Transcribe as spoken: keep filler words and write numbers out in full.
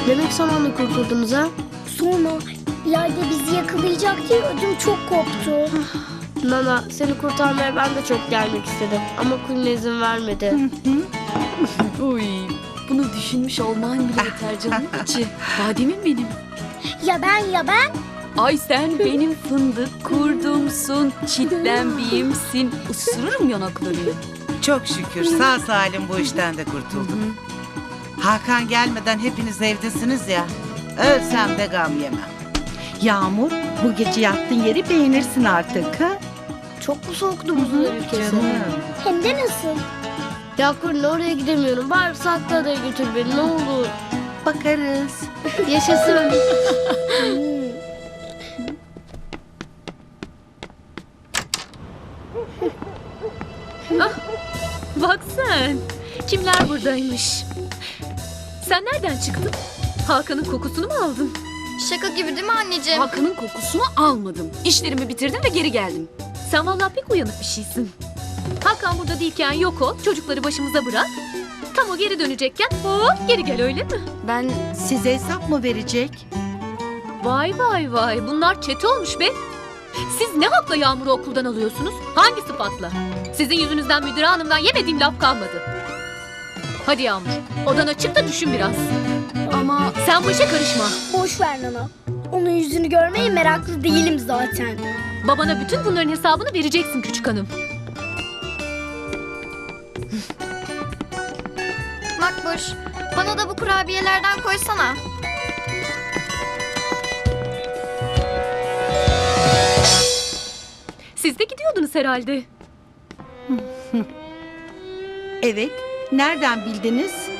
Demek zamanla kurtuldunuz ha? Sonra ileride bizi yakalayacak diye ödüm çok koptu. Nana, seni kurtarmaya ben de çok gelmek istedim. Ama Kulina izin vermedi. Uy, bunu düşünmüş olman bile yeter canım içi. Bademim benim. Ya ben ya ben? Ay sen benim fındık kurdumsun, çitlenbiyimsin. Isırırım yanaklarını. Çok şükür sağ salim bu işten de kurtulduk. Hakan gelmeden hepiniz evdesiniz ya. Ölsem de gam yemem. Yağmur, bu gece yattığın yeri beğenirsin artık ha? Çok mu soğuktu buzul ülkesi? Canım. Hem de nasıl? Ya Kulina, oraya gidemiyorum. Bari saklı adaya götür beni ne olur. Bakarız. Yaşasın. Bak sen, kimler buradaymış? Sen nereden çıktın? Hakan'ın kokusunu mu aldın? Şaka gibi değil mi anneciğim? Hakan'ın kokusunu almadım. İşlerimi bitirdim ve geri geldim. Sen vallahi pek uyanık bir şeysin. Hakan burada değilken yok ol, çocukları başımıza bırak. Tam o geri dönecekken hop geri gel, öyle mi? Ben size hesap mı verecek? Vay vay vay, bunlar çete olmuş be. Siz ne hakla Yağmur'u okuldan alıyorsunuz? Hangi sıfatla? Sizin yüzünüzden müdür hanımdan yemediğim laf kalmadı. Hadi Yağmur, odana çık da düşün biraz. Ama sen bu işe karışma. Boş ver Nana. Onun yüzünü görmeye meraklı değilim zaten. Babana bütün bunların hesabını vereceksin küçük hanım. Makbuş, bana da bu kurabiyelerden koysana. Siz de gidiyordunuz herhalde. Evet. Nereden bildiniz?